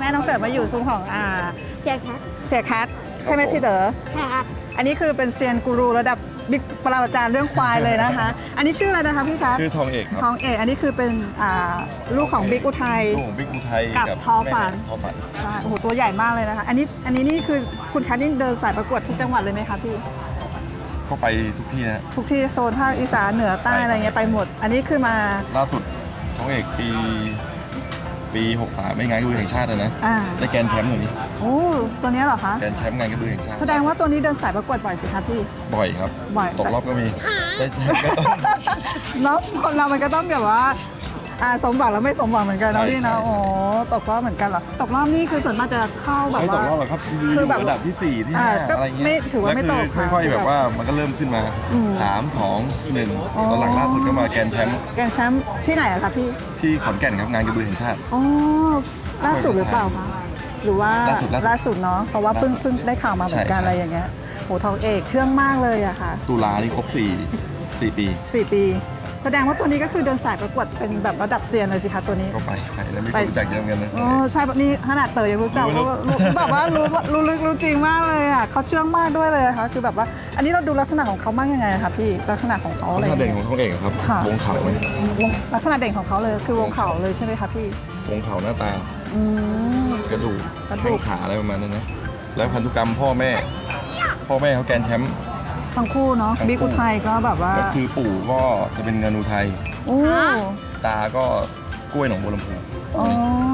น้องเต๋อมาอยู่ซุ้มของเชียร์แคทเสียคัทใช่ไหมพี่เต๋อใช่ครับอันนี้คือเป็นเซียนกูรูระดับบิ๊กปรมาจารย์เรื่องควายเลยนะคะ อันนี้ชื่ออะไรนะคะพี่คัทชื่อทองเอกครับทองเอกอันนี้คือเป็นลูกของบิ๊กอุทัยลูกของบิ๊กอุทัยกับทอฝันแม่ทอฝันใช่โอ้โหตัวใหญ่มากเลยนะคะ อันนี้นี่คือคุณคัทนี่เดินสายประกวดทุกจังหวัดเลยไหมคะพี่ก็ไปทุกที่นะทุกที่โซนภาคอีสานเหนือใต้อะไรเงี้ยไปหมด อันนี้คือมาล่าสุดทองเอกปี63ไม่งานกระบือแห่งชาตินะอ่าได้แกรนด์แชมป์อย่างนี้โอ้ตัวนี้เหรอคะแกรนด์แชมป์งานกระบือแห่งชาติแสดงว่าตัวนี้เดินสายประกวดบ่อยสิคะพี่บ่อยครับบ่อยตกรอบก็มีได้แชมป์ก็ต้องเนาะคนเรามันก็ต้องแบบว่าสมหวังแล้วไม่สมหวังเหมือนกันเนาะใช่พี่เนาะใช่โอ้ตกรอบเหมือนกันเหรอตกรอบนี่คือส่วนมากจะเข้าแบบไม่ตว่ากรอบหรอกครับคือคือยู่แบบระดับที่4ที่ก็ 5อะไรเงี้ยไม่ถือว่าไม่ตกแล้วคือค่อยๆแบบว่ามันก็เริ่มขึ้นมา 3 2 1ตอนหลังล่าสุดก็มาแกรนด์แชมป์แกรนด์แชมป์ที่ไหนอะคะพี่ที่ขอนแก่นครับงานกระบือแห่งชาติอ๋อล่าสุดหรือเปล่าคะหรือว่าล่าสุดเนาะเพราะว่าเพิ่งได้ข่าวมาเหมือนกันใช่อะไรอย่างเงี้ยโหทองเอกเชื่องมากเลยอะค่ะตุลานี่ครบ4 ปี 4 ปี แสดงว่าตัวนี้ก็คือเดินสายประกวดเป็นแบบระดับเซียนเลยสิคะตัวนี้ก็ไปแล้วไม่รู้จักเยอะเหมือนกันนะอ๋อใช่แบบนี้ขนาดเต๋อยังรู้จักรู้ว่ารู้แบบว่ารู้ลึกรู้จริงมากเลยอ่ะเขาเชื่องมากด้วยเลยอะค่ะคือแบบว่า อันนี้เราดูลักษณะของเขามากยังไงอะคะพี่ลักษณะของเขาลัอะกไรษณะเด่นของทองเอกครับค่ะวงเขาไหมลักษณะเด่นของเขาเลยคือวงเขาเลยใช่ไหมคะพี่วงเขาหน้าตาอืมกระดูกกระดูแข้กงขาอะไรประมาณนั้นนะแล้วพันธุกรรมพ่อแม่เขาแกรนด์แชมป์ทั้งคู่เนาะทั้งคู่บิ๊กอุทัยก็แบบว่าก็คือปู่ก็จะเป็นเงินอุทัยโอ้ตาก็กล้วยหนองบัวลำพูอ๋อ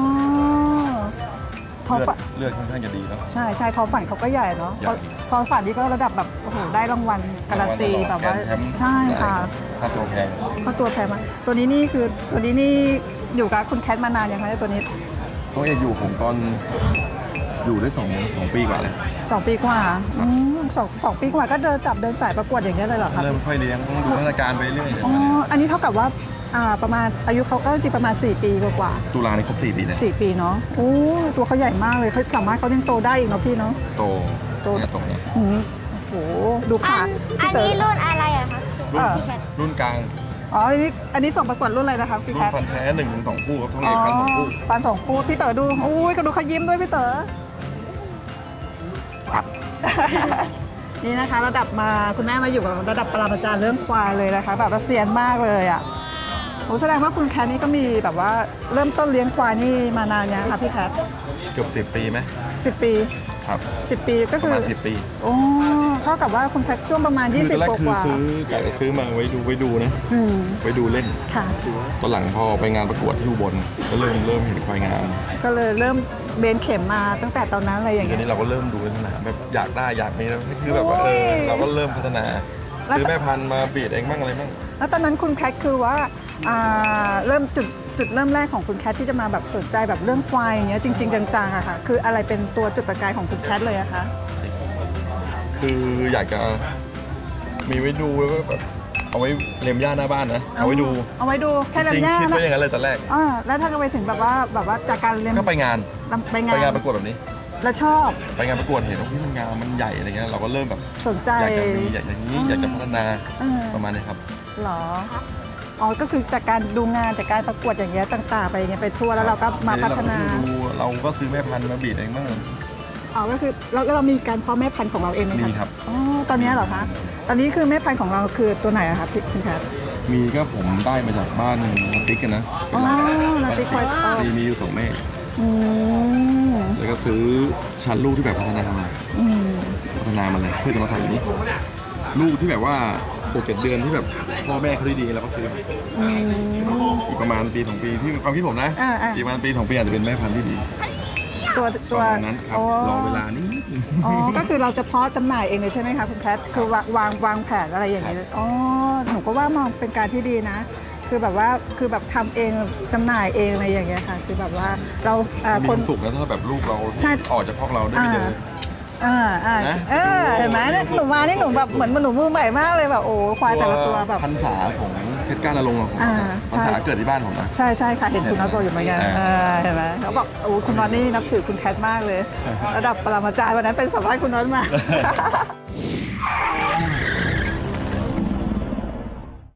ทอเลือดฝันเลือดค่อนข้างจะดีเนาะใช่ใช่ทอฝันเขาก็ใหญ่เนาะใหญ่ทอฝันนี่ก็ระดับแบบโอ้โหได้รางวัลการันตีแบบว่าแกรนด์ชมป์ใช่ค่ะค่าตัวแพงก็ตัวแพงมากตัวนี้นี่คือตัวนี้นี่อยู่กับคุณแคทมานานยังคะตัวนี้ทองเอกอยู่ผมตอนอยู่ได้2 ปีกว่าแล้ว 2 ปีกว่าสองปีกว่าก็เดินสายประกวดอย่างเงี้ยเลยเหรอคะเริ่มค่อยเลี้ยงดูพัฒนาการไปเรื่อยอ๋ออันนี้เท่ากับว่าประมาณอายุเขาก็จริงประมาณ4 ปีกว่าตุลานี่ครบ4 ปีแล้ว 4 ปีเนาะโอ้ตัวเขาใหญ่มากเลยเขาสามารถเขายังโตได้อีกเนาะพี่เนาะโตเนี่ยโตเนี่ยอืมโอ้โหดูขาอันพี่เต๋อนี้รุ่นอะไรอะคะรุ่นกลางอ๋ออันนี้ส่งประกวดรุ่นอะไรนะคะพี่รุ่แคน ทฟันแท้1-2 คู่ครับทองอ๋เออกฟัน2 คู่ฟัน2 คู่พี่เต๋อดูอุ้ยก็ดูเขายิ้มด้วยพี่เต๋อ นี่นะคะระดับมาคุณแม่มาอยู่กับระดับปรมาจารย์เรื่องควายเลยนะคะแบบว่าเซียนมากเลยอ่ะโอ้แสดงว่าคุณแคทนี่ก็มีแบบว่าเริ่มต้นเลี้ยงควายนี่มานานยังคะพี่แคทเกือบ10 ปีไหม 10 ปีครับ 10 ปีก็ปคืระอมาณ10 ปีโอ้เท่ากับว่าคุณแคทช่วงประมาณคือตอนแรก 20 กคือว่าซื้อมาไว้ดูนะอืมไว้ดูเล่นค่ะตอนหลังพอไปงานประกวดที่อุบลก็เริ่มเห็นควายงามก็เลยเริ่มเบนเข็มมาตั้งแต่ตอนนั้นอะไรอย่างทีเงี้ยนี้เราก็เริ่มดูในสนามแบบอยากได้อยากมีแล้วคือแบบว่าโอ้ยเราก็เริ่มพัฒนาแล้วซื้อแม่พันธุ์มาบีดเองบ้างอะไรบ้างแล้วตอนนั้นคุณแคทคือว่าเริ่มจุดเริ่มแรกของคุณแคทที่จะมาแบบสนใจแบบเรื่องควายอย่างเงี้ยจริง ๆจังๆอะค่ะคืออะไรเป็นตัวจุดประกายของคุณแคทเลยอะคะคืออยากจะมีไว้ดูแล้วก็แบบเอาไว้เล็มหญ้าหน้าบ้านนะเอาไว้ดูเอาไว้ดูแค่จลำริงหน้าๆคิดนะไว้อย่างนั้นเลยตอนแรกแล้วถ้าก็ไปถึงแบบว่าจากการเรียนก็ไปงานไปงานประกวดแบบนี้แล้วชอบไปงานประกวดเห็นว่ามันงามมันใหญ่อะไรเงี้ยเราก็เริ่มแบบสนใจอยากจะมีอยากอย่างนี้อยากจะพัฒนาเออประมาณนี้ครับเหรออ๋อก็คือจากการดูงานจากการประกวดอย่างเงี้ยต่างๆไปอย่างเงี้ยไปทั่วแล้วเราก็มาพัฒนาเราก็ซื้อแม่พันธุ์มาบีดเองบ้างอ๋อก็คือเรามีการเพาะแม่พันธุ์ของเราเองไหมคะมีครับอ๋อตอนนี้เหรอคะตอนนี้คือแม่พันธุ์ของเราคือตัวไหนอะคะพี่คุณแคทมีก็ผมได้มาจากบ้านนาติ๊กกันนะอ๋อนาติ๊กควายทอดมีอยู่2 แม่อืมแล้วก็ซื้อชั้นลูกที่แบบพัฒนามาอืมเลยเพื่อจะมาใส่อยู่นี่ลูกที่แบบว่า6-7 เดือนที่แบบพ่อแม่เขาดีๆแล้วก็ซื้อมาอืมอีกประมาณปี 2 ปีที่ความคิดผมนะอ่าอีกประมาณปี 2 ปีอาจจะเป็นแม่พันธุ์ที่ดีตัวประมาณนั้นครับอ๋อรอเวลานิดนึงอ๋อก็คือเราจะเพาะจำหน่ายเองเลยใช่ไหมคะคุณแคทคือวางแผนอะไรอย่างนี้เลยอ๋อหนูก็ว่ามองเป็นการที่ดีนะ คือแบบว่าคือแบบทำเองจำหน่ายเองอะไรอย่างเงี้ยค่ะคือแบบว่าเรามีคคน วามสุขนะถ้าแบบลูกเราใช่ออกจากพ่อเราได้ไปเจอ นะเห็นไหมเนี่ยหนูมานี่หนูแบบเหมือนหนูมือใหม่มากเลยแบบโอ้ควายแต่ละตัวแบบพรรษาของเพชรก้านนรงค์ของผมอ่าพรรษาใช่เกิดที่บ้านผมนะใช่ใช่ค่ะเห็นคุณน็อตบอกอยู่เหมือนกันอ่าเห็นไหมเขาบอกโอ้คุณน็อตนี่นับถือคุณแคทมากเลย ระดับปรมาจารย์วันนั้นเป็นสัมภาษณ์คุณน็อตมา